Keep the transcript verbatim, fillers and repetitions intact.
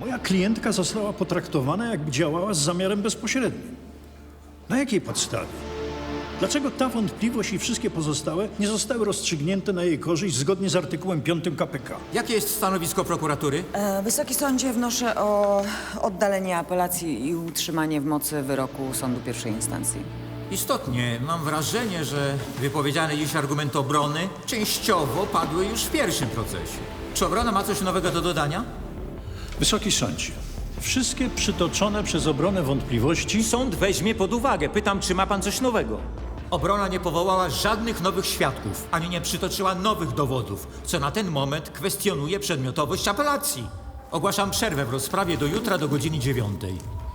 Moja klientka została potraktowana, jakby działała z zamiarem bezpośrednim. Na jakiej podstawie? Dlaczego ta wątpliwość i wszystkie pozostałe nie zostały rozstrzygnięte na jej korzyść zgodnie z artykułem piątym K P K? Jakie jest stanowisko prokuratury? E, Wysoki sądzie, wnoszę o oddalenie apelacji i utrzymanie w mocy wyroku sądu pierwszej instancji. Istotnie, mam wrażenie, że wypowiedziane dziś argumenty obrony częściowo padły już w pierwszym procesie. Czy obrona ma coś nowego do dodania? Wysoki sądzie, wszystkie przytoczone przez obronę wątpliwości Sąd weźmie pod uwagę. Pytam, czy ma pan coś nowego? Obrona nie powołała żadnych nowych świadków, ani nie przytoczyła nowych dowodów, co na ten moment kwestionuje przedmiotowość apelacji. Ogłaszam przerwę w rozprawie do jutra do godziny dziewiątej.